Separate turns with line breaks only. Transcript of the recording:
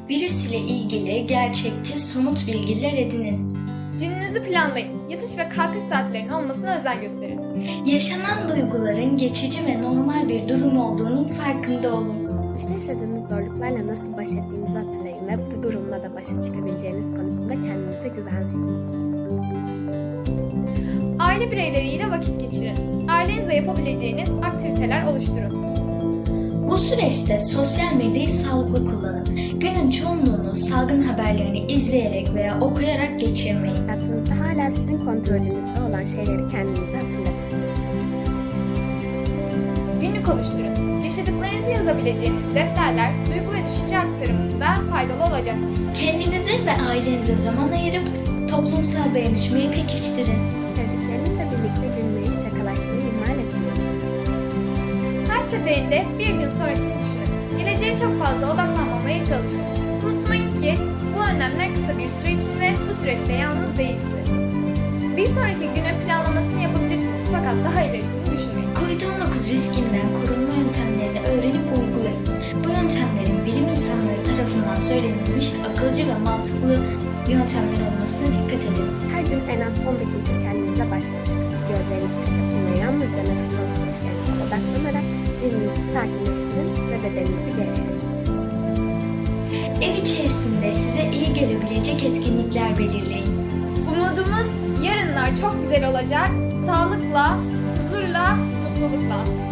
Virüs ile ilgili gerçekçi, somut bilgiler edinin.
Gününüzü planlayın. Yatış ve kalkış saatlerinin olmasına özen gösterin.
Yaşanan duyguların geçici ve normal bir durum olduğunun farkında olun.
İşte yaşadığınız zorluklarla nasıl baş ettiğinizi hatırlayın ve bu durumla da başa çıkabileceğiniz konusunda kendinize güven verin.
Aile bireyleriyle vakit geçirin. Ailenizle yapabileceğiniz aktiviteler oluşturun.
Bu süreçte sosyal medyayı sağlıklı kullanın. Günün çoğunluğunu salgın haberlerini izleyerek veya okuyarak geçirmeyin.
Hayatınızda hala sizin kontrolünüzde olan şeyleri kendinize hatırlatın.
Günlük oluşturun. Yaşadıklarınızı yazabileceğiniz defterler, duygu ve düşünce aktarımında faydalı olacak.
Kendinize ve ailenize zaman ayırıp toplumsal dayanışmayı pekiştirin.
Sevdiklerinizle birlikte gülmeyi, şakalaşmayı ihmal etmeyin.
Her seferinde bir gün sonrasını düşünün. Geleceğe çok fazla odaklanmamaya çalışın. Unutmayın ki bu önlemler kısa bir süre için ve bu süreçte yalnız değilsiniz. Bir sonraki günün planlamasını yapabilirsiniz fakat daha ilerisini düşünmeyin.
Covid-19 riskinden korunma yöntemlerini öğrenip uygulayın. Bu yöntemlerin bilim insanları tarafından söylenilmiş akılcı ve mantıklı yöntemler olmasına dikkat edin.
Her gün en az 10 dakika kendinizle baş başa kalın. Gözlerinizi kapatın ve yalnızca nefes alışverişlerinize odaklanarak zihninizi sakinleştirin ve bedeninizi gevşetin.
Ev içerisinde size iyi gelebilecek etkinlikler belirleyin.
Umudumuz yarınlar çok güzel olacak. Sağlıkla, huzurla, mutlulukla.